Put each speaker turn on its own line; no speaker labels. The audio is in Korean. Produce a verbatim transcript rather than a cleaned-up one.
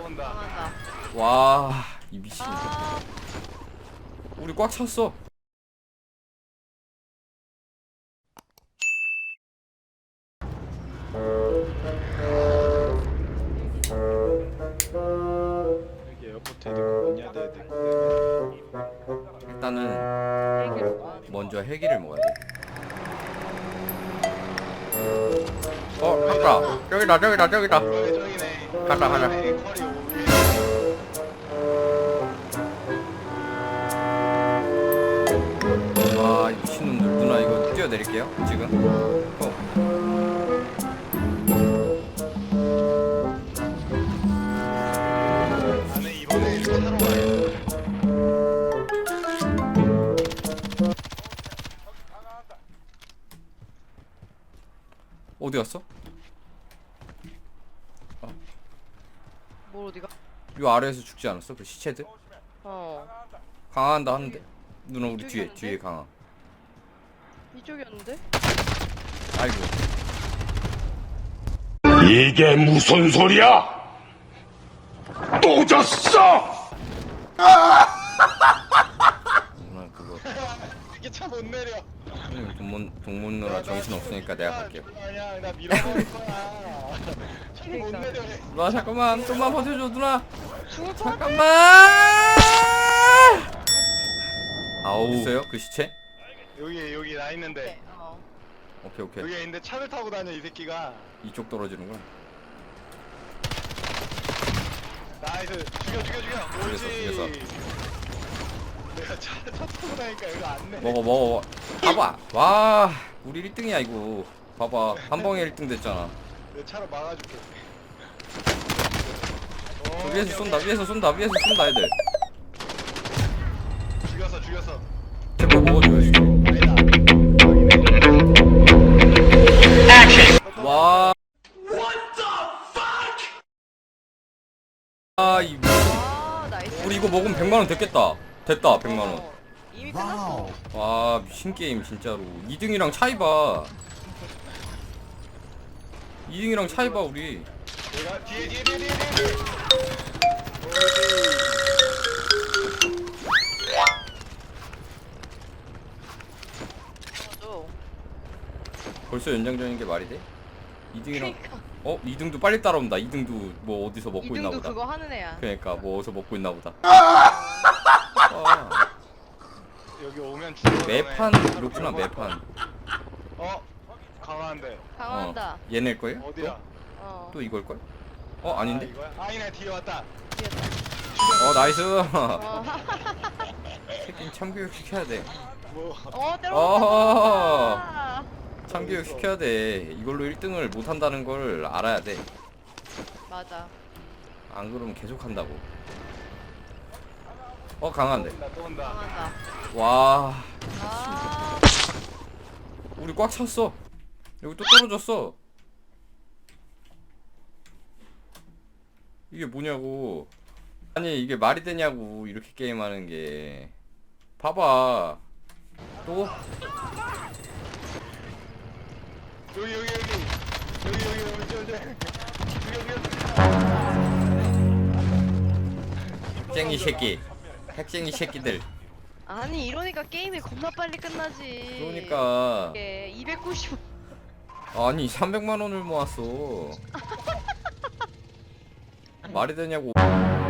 또 온다.
당한다.
와, 이 미친.
아,
우리 꽉 찼어.
여기 에어포트 되고 뭐냐 돼 되고.
일단은
얘기를 뭐 하는
먼저 헬기를 먹어야 돼. 어, 갔다. 저기다, 저기다, 저기다.
저기네.
가자, 가자.
저기네, 쿼리 오일.
아, 이 미친놈들. 누나 이거 뛰어내릴게요. 지금. 어.
나는 이번에 차로 가야
어디 갔어?
뭘 어디가?
요 아래에서 죽지 않았어? 그 시체들?
어.
강화한다 하는데. 누나 우리 뒤에,
이쪽이었는데?
뒤에 강화.
이쪽이었는데?
아이고.
이게 무슨 소리야? 또 졌어!
누나 그거.
이게 차 못 내려.
동문, 동문 누나 정신 없으니까 내가 갈게요.
아니야, 나 밀어버릴 거야. 차를 못 내려.
누나 잠깐만, 좀만 버텨줘 누나.
죽을 것 같아.
잠깐만. 아우. 있어요? 그 시체?
여기 여기 나
네.
있는데.
어.
오케이 오케이.
여기 있는데 차를 타고 다녀 이 새끼가.
이쪽 떨어지는구나.
나이스. 죽여 죽여 죽여.
죽였어,
옳지.
죽였어.
내가 차, 차 타고 다니까 이거 안 내.
먹어 먹어. 봐봐. 와, 우리 일 등이야 이거. 봐봐. 한 방에 일 등 됐잖아.
내 차로 막아줄게.
저
오,
위에서
오케이,
쏜다.
오케이.
위에서 쏜다. 위에서 쏜다 애들.
죽였어 죽였어.
제거 먹어줘야지.
아니다.
와. 아, 이
아, 나이스.
우리 이거 먹으면 백만 원 됐겠다. 됐다. 백만 원.
어, 이미 끝났어.
와, 미친 게임 진짜로. 이 등이랑 차이 봐. 이 등이랑 차이 봐 우리.
내가 뒤에 뒤에 뒤에 뒤에 뒤에.
맞아.
벌써 연장전인 게 말이 돼? 이 등이랑
그러니까.
어? 이 등도 빨리 따라온다. 이 등도 뭐 어디서 먹고 있나
이등도
보다.
그거 하는 애야.
그러니까 뭐 어디서 먹고 있나 보다. 아,
여기 오면 죽어.
매판 그렇구나. 매판.
어? 강화한데.
강화한다.
어, 얘네 거예요?
어디야?
어.
또 이걸 걸? 어,
아,
아닌데?
이거야? 아니네 뒤에 왔다.
뒤에다.
어, 나이스.
어.
새끼 참교육 시켜야 돼.
뭐
어,
어허.
때려먹었다.
참교육 시켜야 돼. 이걸로 일 등을 못 한다는 걸 알아야 돼.
맞아.
안 그러면 계속 한다고. 어, 강한데.
또 온다 또 온다.
강한다.
와,
아,
우리 꽉 찼어. 여기 또 떨어졌어. 이게 뭐냐고. 아니 이게 말이 되냐고. 이렇게 게임하는 게. 봐봐. 또?
여기 여기 여기 여기 여기 여기 저기 여기 여기
핵쟁이 새끼. 핵쟁이 새끼들.
아니 이러니까 게임이 겁나 빨리 끝나지.
그러니까.
이게 이백구십.
아니 삼백만 원을 모았어. 말이 되냐고.